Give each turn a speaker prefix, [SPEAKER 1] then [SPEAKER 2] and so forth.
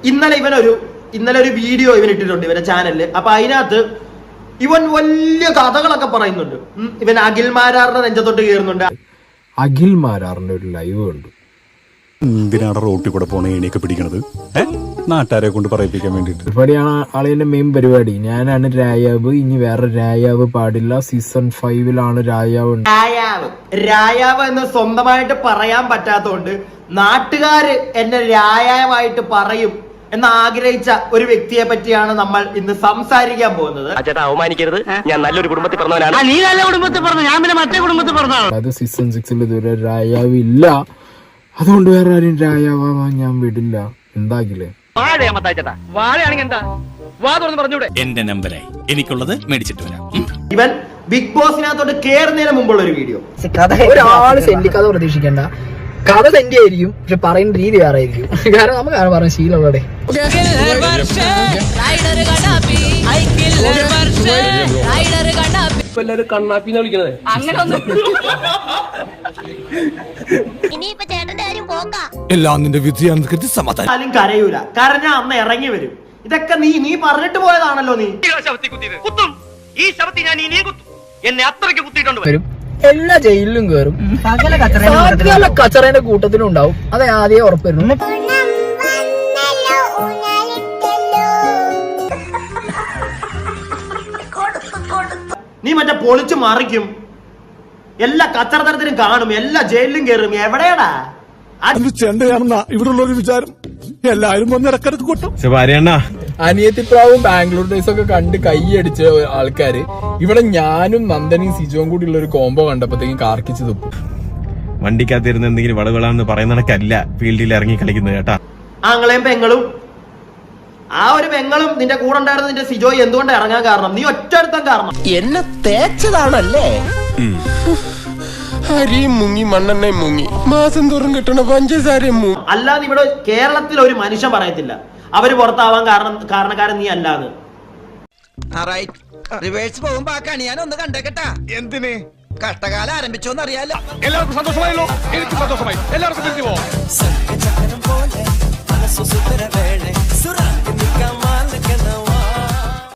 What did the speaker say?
[SPEAKER 1] ഇന്നലെ ഒരു വീഡിയോ ഇവൻ ഇട്ടിട്ടുണ്ട് ഇവന്റെ ചാനലില്. അപ്പൊ അതിനകത്ത് ഇവൻ വലിയ കഥകളൊക്കെ പറയുന്നുണ്ട്. ഇവൻ അഖിൽ മാരാറിന്റെ നെഞ്ചത്തോട്ട് കയറുന്നുണ്ട്.
[SPEAKER 2] അഖിൽ മാരാറിന്റെ ഒരു ലൈവ് ഉണ്ട്.
[SPEAKER 3] എന്തിനാണ് റോട്ടിൽ കൂടെ പോണ ഏണിയൊക്കെ പിടിക്കണത്? നാട്ടുകാരെ കൊണ്ട് പറയിപ്പിക്കാൻ വേണ്ടിട്ട്.
[SPEAKER 2] പരിപാടിയാണ് ആളിന്റെ മെയിൻ പരിപാടി. ഞാനാണ് രായാവ്, ഇനി വേറെ രായാവ് പാടില്ല. സീസൺ 5 രായാവ്.
[SPEAKER 1] രായാവ് എന്ന് സ്വന്തമായിട്ട് പറയാൻ പറ്റാത്തോണ്ട് നാട്ടുകാര് എന്നെ രായാവായിട്ട് പറയും എന്ന് ആഗ്രഹിച്ച ഒരു വ്യക്തിയെ പറ്റിയാണ് നമ്മൾ ഇന്ന് സംസാരിക്കാൻ പോകുന്നത്.
[SPEAKER 4] അവമാനിക്കരുത്, ഞാൻ നല്ലൊരു കുടുംബത്തിൽ പറഞ്ഞവനാണ്. നീ നല്ല കുടുംബത്തിൽ പറഞ്ഞു, ഞാൻ പിന്നെ മറ്റേ കുടുംബത്തിൽ പറഞ്ഞാണ്.
[SPEAKER 2] അതായത് സീസൺ 6 ഇതുവരെ രായാവ് ഇല്ല. അതുകൊണ്ട് വേറെ ആരും രായാവാൻ ഞാൻ വിടില്ല. എന്താകില്ലേ
[SPEAKER 5] എന്റെ നമ്പരായി എനിക്കുള്ളത് മേടിച്ചിട്ട് വരാം.
[SPEAKER 1] ഇവൻ ബിഗ് ബോസിനകത്തോട്ട് കേറുന്നതിന് മുമ്പുള്ള ഒരു വീഡിയോ.
[SPEAKER 6] ഒരാള് സെന്റ് കഥ പ്രതീക്ഷിക്കണ്ട. കഥ സെന്റ് ആയിരിക്കും, പക്ഷെ പറയുന്ന രീതി വേറെ ആയിരിക്കും. കാരണം നമുക്കാണ് പറഞ്ഞ ശീലമുള്ളടെ.
[SPEAKER 4] എല്ലാരും കണ്ണാപ്പിന്ന് വിളിക്കണത്
[SPEAKER 5] എല്ലാം നിന്റെ വിധിയാണെന്ന് കരുതി സമാധാനം.
[SPEAKER 1] കരയൂല, കരഞ്ഞ അന്ന് ഇറങ്ങി വരും. ഇതൊക്കെ നീ പറഞ്ഞിട്ട് പോയതാണല്ലോ. നീ
[SPEAKER 4] എന്നെ അത്രയ്ക്ക് കുത്തിയിട്ടുണ്ട്.
[SPEAKER 6] വരും, എല്ലാ ജയിലിലും കയറും, സകല കച്ചറേന്റെ കൂട്ടത്തിലും ഉണ്ടാവും. അത് ആദ്യം ഉറപ്പുവരുന്നു.
[SPEAKER 1] നീ മറ്റേ പൊളിച്ചു മറിക്കും, എല്ലാ കച്ചറ തരത്തിലും കാണും, എല്ലാ ജയിലിലും കയറും. എവിടെയാടാ
[SPEAKER 3] ചെണ്ടയാണെന്നാ ഇവിടെ ഉള്ളൊരു വിചാരം. എല്ലാരും വന്ന് ഇടക്കിടക്ക് കൊട്ടും.
[SPEAKER 2] അനിയത്തിപ്രാവും ബാംഗ്ലൂർ ഡേയ്സ് ഒക്കെ കണ്ട് കൈയടിച്ച ആൾക്കാര് ഇവിടെ ഞാനും നന്ദനും സിജോയും കൂടി ഉള്ള ഒരു കോംബോ കണ്ടപ്പോഴത്തേക്കും കാർക്കിച്ച് തുപ്പും.
[SPEAKER 7] വണ്ടിക്കകത്തിരുന്ന് എന്തെങ്കിലും വളവിളാന്ന് പറയുന്ന കണക്കല്ല ഫീൽഡിൽ ഇറങ്ങി കളിക്കുന്നത് കേട്ടാ.
[SPEAKER 1] ആങ്ങളെയും പെങ്ങളും, ആ ഒരു പെങ്ങളും നിന്റെ കൂടെ ഉണ്ടായിരുന്ന നിന്റെ സിജോയ് എന്തുകൊണ്ട് ഇറങ്ങാൻ കാരണം? നീ ഒറ്റടുത്താൻ കാരണം.
[SPEAKER 4] എന്നെ തേച്ചതാണല്ലേ?
[SPEAKER 8] അരിയും മുങ്ങി മണ്ണെണ്ണയും മുങ്ങി മാസം തോറും കിട്ടണ പഞ്ചസാരയും മുങ്ങി.
[SPEAKER 1] അല്ലാതെ ഇവിടെ കേരളത്തിൽ ഒരു മനുഷ്യൻ പറയത്തില്ല അവര് പുറത്താവാൻ കാരണക്കാരൻ നീ അല്ലാന്ന്.
[SPEAKER 4] റിവേഴ്സ് പോകുമ്പോ ആ കണി ഞാൻ ഒന്ന് കണ്ടേക്കട്ടാ.
[SPEAKER 8] എന്തിന്?
[SPEAKER 4] കഷ്ടകാലം ആരംഭിച്ചോന്ന് അറിയാലോ.
[SPEAKER 8] എല്ലാവർക്കും സന്തോഷമായല്ലോ? എനിക്ക് സന്തോഷമായി. എല്ലാവർക്കും തിരിച്ചു പോവാം.